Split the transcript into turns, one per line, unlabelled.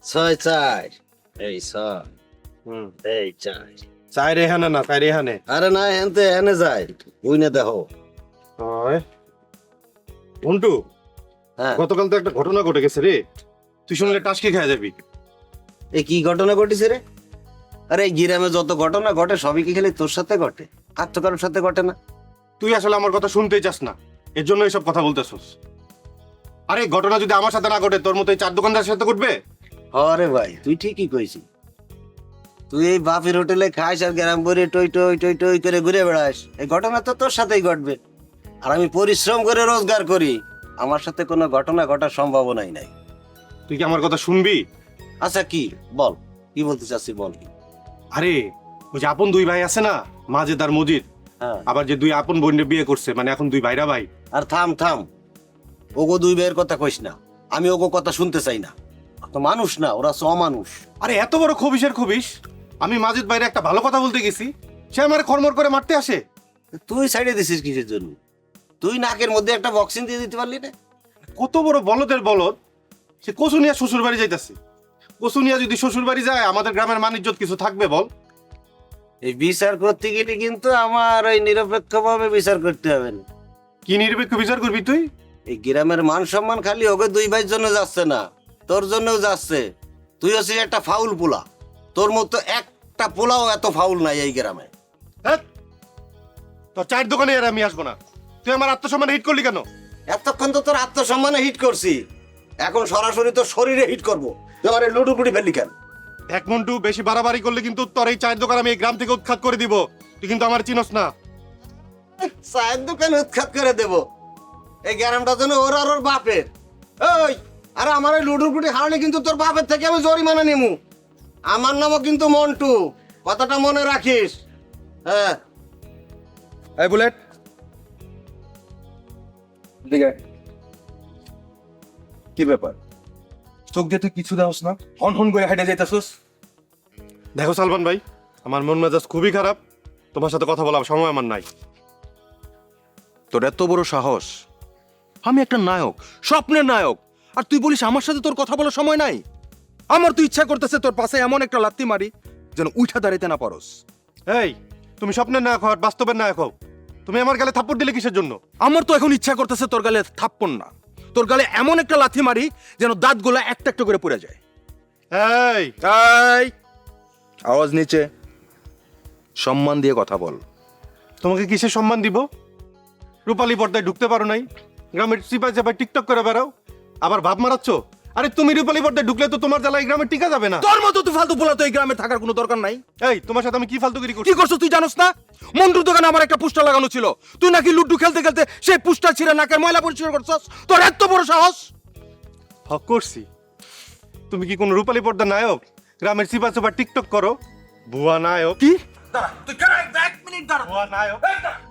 ছয় চার, এই ছয়, এই চার।
চাই রেহানে না চাই রেহানে।
আরে না, হেনতে এনে যায়, বুঝনে দেখো।
মন্টু,
হ্যাঁ,
গতকাল তো একটা ঘটনা ঘটে গেছে রে, তুই শুনলে টাসকে খেয়ে যাবি।
এই কি ঘটনা ঘটেছে রে? আরে এই গ্রামে যত ঘটনা ঘটে সবই কি খালি তোর সাথে ঘটে, আর তো কারোর সাথে ঘটে না?
তুই আসলে আমার কথা শুনতেই চাস না, এর জন্য এইসব কথা বলতেছস। আরে ঘটনা যদি আমার সাথে না ঘটে তোর মতো এই চার দোকানদারের সাথে ঘটবে?
আরে ভাই, তুই ঠিকই কইছিস। তুই এই বাপের হোটেলে খাইস আর গ্রাম ভরে টই টই টই টই করে ঘুরে বেড়াস, এই ঘটনা তো তোর সাথেই ঘটবে। আর আমি পরিশ্রম করে রোজগার করি, আমার সাথে কোনো ঘটনা ঘটার সম্ভাবনাই নাই।
তুই কি আমার কথা শুনবি?
আচ্ছা কি বল, কি বলতে চাচ্ছি বল।
আরে ওই যে আপন দুই ভাই আছে না, মাজেদ আর মজিদ,
হ্যাঁ,
আবার যে দুই আপন বোনের বিয়ে করছে, মানে এখন দুই ভাইরা ভাই।
আর থাম থাম, ওগো দুই ভাইয়ের কথা কইস না, আমি ওগো কথা শুনতে চাই না। তো মানুষ না, ওরা অমানুষ।
আরে এত বড় খবিসের খবিস, আমি মাজেদ ভাইরে একটা ভালো কথা বলতে গেছি, সে আমার খরমর করে মারতে আসে।
তুই সাইডে দিছিস কিসের জন্য? তুই নাকের মধ্যে একটা বক্সিং দিয়ে দিতে পারলি না?
কত বড় বলদের বলদ, সে কচু নিয়ে শ্বশুর বাড়ি যাইতেছে। কচু নিয়ে যদি শ্বশুর বাড়ি যায় আমাদের গ্রামের মান ইজ্জত কিছু থাকবে বল?
এই বিচার করতে গেলে কিন্তু আমার ওই নিরপেক্ষভাবে বিচার করতে হবে না।
কি নিরপেক্ষ বিচার করবি তুই?
এই গ্রামের মান সম্মান খালি ওকে দুই ভাইয়ের জন্য যাচ্ছে না, তোর জন্যও যাচ্ছে। তুই হচ্ছিস একটা ফাউল পোলা, তোর মতো একটা পোলাও এত ফাউল নাই এই গ্রামে।
হ্যাঁ, তোর চায়ের দোকানে আর আমি আসবো না। তুই আমার আত্মসম্মান হিট করলি কেন?
এতক্ষণ তো তোর আত্মসম্মানে হিট করছি, এখন সরাসরি তোর শরীরে হিট করবো। তুই আমার লুডু পুটি ফেললি কেন?
এক মন্টু, বেশি বাড়াবাড়ি করলে কিন্তু তোর এই চায়ের দোকান আমি এই গ্রাম থেকে উৎখাত করে দিব। তুই কিন্তু আমার চিনস না।
চায়ের দোকান উৎখাত করে দেব? এই গ্রামটা যেন ওর আর ওর বাপের। ওই, আরে আমার এই লুডুর পুটি হারলে কিন্তু তোর বাপের থেকে আমি জরিমানা নিমু। আমার নামও কিন্তু মন্টু, কথাটা মনে রাখিস। হ্যাঁ,
এই বুলেট, দিকে কি ব্যাপার? চোখ দিয়ে তুই কিছু দেওস না, হন হন করে হেঁটে যাইতেছস।
দেখো সালমান ভাই, আমার মন মেজাজ খুবই খারাপ, তোমার সাথে কথা বলার সময় আমার নাই।
তোর এত বড় সাহস! আমি একটা নায়ক, স্বপ্নের নায়ক, আর তুই বলিস আমার সাথে তোর কথা বলার সময় নাই? আমার তো ইচ্ছা করতেছে তোর পাশে এমন একটা লাত্তি মারি যেন উঠা দাঁড়াইতে না পারস।
এই, তুমি স্বপ্নের নায়ক হও আর বাস্তবের নায়ক হও। তুমি আমার গালে থাপ্পড় দিলে কিসের জন্য?
আমার তো এখন ইচ্ছা করতেছে তোর গালে থাপ্পড় না, তোর গালে এমন একটা লাথি মারি যেন দাঁতগুলা একটা একটা করে পড়ে যায়।
এই,
এই, আওয়াজ নিচে, সম্মান দিয়ে কথা বল।
তোমাকে কিসের সম্মান দিব? রূপালী পর্দায় ঢুকতে পারো নাই, গ্রামের চিপায় চাপায় টিকটক করে বেড়াও, আবার ভাব মারাচ্ছ। আরে তুমি রূপালী পর্দায় ঢুকলে তো তোমার জ্বালা এই গ্রামে টিকা যাবে না।
তোর মতো তুই ফালতু বলা তো এই গ্রামে থাকার কোনো দরকার নাই।
এই, তোমার সাথে আমি কি ফালতুগিরি করছি?
কি করছো তুই জানোস না? মন্টুর দোকানে আমার একটা পোস্টার লাগানো ছিল, তুই নাকি লুড্ডু খেলতে খেলতে সেই পোস্টার ছিঁড়ে নাকের ময়লা পরিষ্কার করছস। তোর এত বড় সাহস!
হক করছি। তুমি কি কোন রূপালী পর্দা নায়ক? গ্রামের চিপা চাপা টিকটক করো, ভুয়া নায়ক।
কি?
তুই এক মিনিট দাঁড়া।
ভুয়া নায়ক।